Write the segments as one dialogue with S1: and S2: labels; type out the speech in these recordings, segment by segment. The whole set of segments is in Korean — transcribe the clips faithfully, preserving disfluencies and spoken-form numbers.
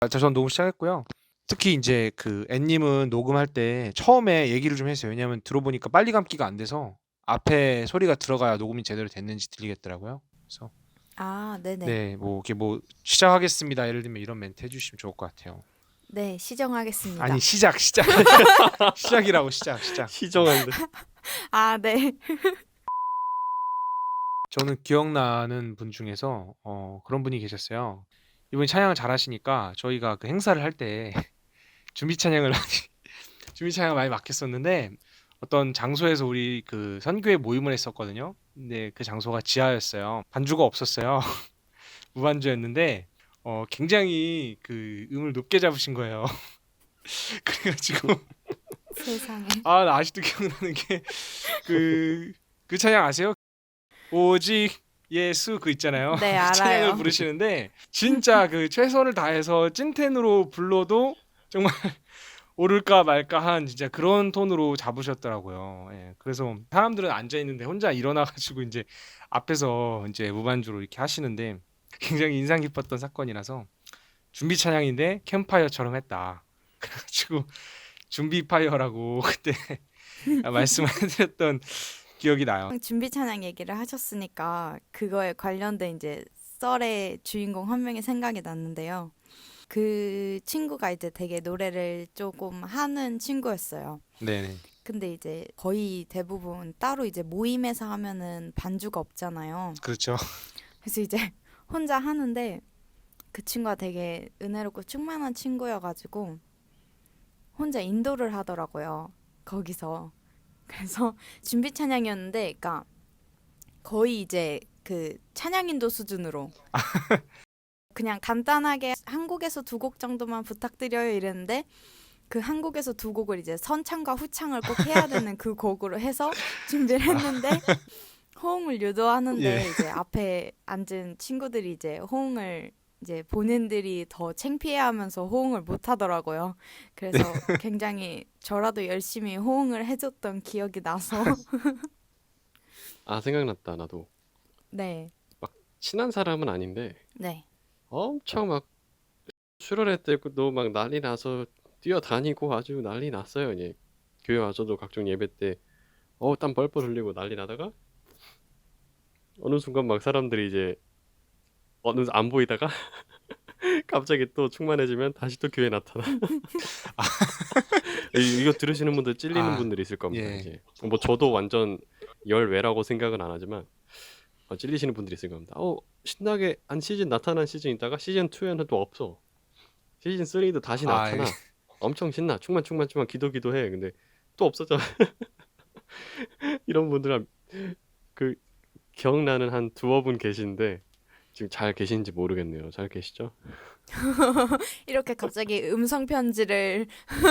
S1: 아, 자, 전 녹음 시작했고요. 특히 이제 그 앤님은 녹음할 때 처음에 얘기를 좀 했어요. 왜냐면 들어보니까 빨리 감기가 안 돼서 앞에 소리가 들어가야 녹음이 제대로 됐는지 들리겠더라고요. 그래서
S2: 아, 네네.
S1: 네, 뭐 이렇게 뭐 시작하겠습니다. 예를 들면 이런 멘트 해주시면 좋을 것 같아요.
S2: 네,
S1: 아니
S2: 시정하겠습니다.
S1: 시작 시작 시작이라고 시작 시작.
S3: 시정한데.
S2: 아, 네.
S1: 저는 기억나는 분 중에서 어, 그런 분이 계셨어요. 이분이 찬양을 잘하시니까 저희가 그 행사를 할 때 준비 찬양을 많이 준비 찬양을 많이 맡겼었는데 어떤 장소에서 우리 그 선교회 모임을 했었거든요. 근데 그 장소가 지하였어요. 반주가 없었어요. 무반주였는데 어, 굉장히 그 음을 높게 잡으신 거예요. 그래가지고
S2: 세상에.
S1: 아, 나 아직도 기억나는 게 그 그 찬양 아세요? 오직 예수 그 있잖아요.
S2: 네,
S1: 그 찬양을
S2: 알아요.
S1: 부르시는데 진짜 그 최선을 다해서 찐텐으로 불러도 정말 오를까 말까 한 진짜 그런 톤으로 잡으셨더라고요. 예, 그래서 사람들은 앉아 있는데 혼자 일어나 가지고 이제 앞에서 이제 무반주로 이렇게 하시는데 굉장히 인상 깊었던 사건이라서 준비 찬양인데 캠파이어처럼 했다. 그래가지고 준비 파이어라고 그때 말씀을 해드렸던 기억이 나요.
S2: 준비 찬양 얘기를 하셨으니까 그거에 관련된 이제 썰의 주인공 한 명이 생각이 났는데요. 그 친구가 이제 되게 노래를 조금 하는 친구였어요.
S1: 네네.
S2: 근데 이제 거의 대부분 따로 이제 모임에서 하면은 반주가 없잖아요.
S1: 그렇죠.
S2: 그래서 이제 혼자 하는데 그 친구가 되게 은혜롭고 충만한 친구여가지고 혼자 인도를 하더라고요. 거기서. 그래서 준비 찬양이었는데, 그러니까 거의 이제 그 찬양 인도 수준으로 그냥 간단하게 한 곡에서 두 곡 정도만 부탁드려요 이랬는데 그 한 곡에서 두 곡을 이제 선창과 후창을 꼭 해야 되는 그 곡으로 해서 준비를 했는데 호응을 유도하는데
S1: 예.
S2: 이제 앞에 앉은 친구들이 이제 호응을 이제 본인들이 더 창피해하면서 호응을 못 하더라고요. 그래서 굉장히 저라도 열심히 호응을 해줬던 기억이 나서
S3: 아, 생각났다. 나도
S2: 네,
S3: 막 친한 사람은 아닌데
S2: 네.
S3: 엄청 막 수련회 때도 막 난리 나서 뛰어다니고 아주 난리 났어요. 이제 교회 와서도 각종 예배 때 어우 땀 뻘뻘 흘리고 난리 나다가 어느 순간 막 사람들이 이제 어느 안 보이다가 갑자기 또 충만해지면 다시 또 교회 나타나. 이- 이거 들으시는 분들 찔리는
S1: 아,
S3: 분들이 있을 겁니다.
S1: 예.
S3: 이제 뭐 저도 완전 열외라고 생각은 안 하지만 어, 찔리시는 분들이 있을 겁니다. 어, 신나게 한 시즌 나타난 시즌 있다가 시즌 이에는 또 없어. 시즌 삼도 다시
S1: 아, 예.
S3: 나타나. 엄청 신나. 충만 충만 충만 기도 기도해. 근데 또 없어져. 이런 분들 그 기억나는 한 두어 분 계신데 지금 잘 계신지 모르겠네요. 잘 계시죠?
S2: 이렇게 갑자기 음성 편지를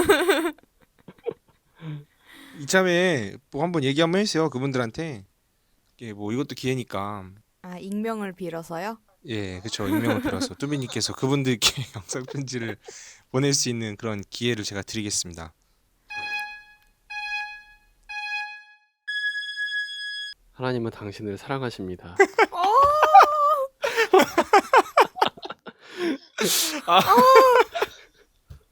S1: 이참에 뭐 한번 얘기 한번 해주세요. 그분들한테. 예, 뭐 이것도 기회니까.
S2: 아 익명을 빌어서요?
S1: 예, 그쵸. 익명을 빌어서 뚜비님께서 그분들께 영상 편지를 보낼 수 있는 그런 기회를 제가 드리겠습니다.
S3: 하나님은 당신을 사랑하십니다.
S2: 어!
S1: 아,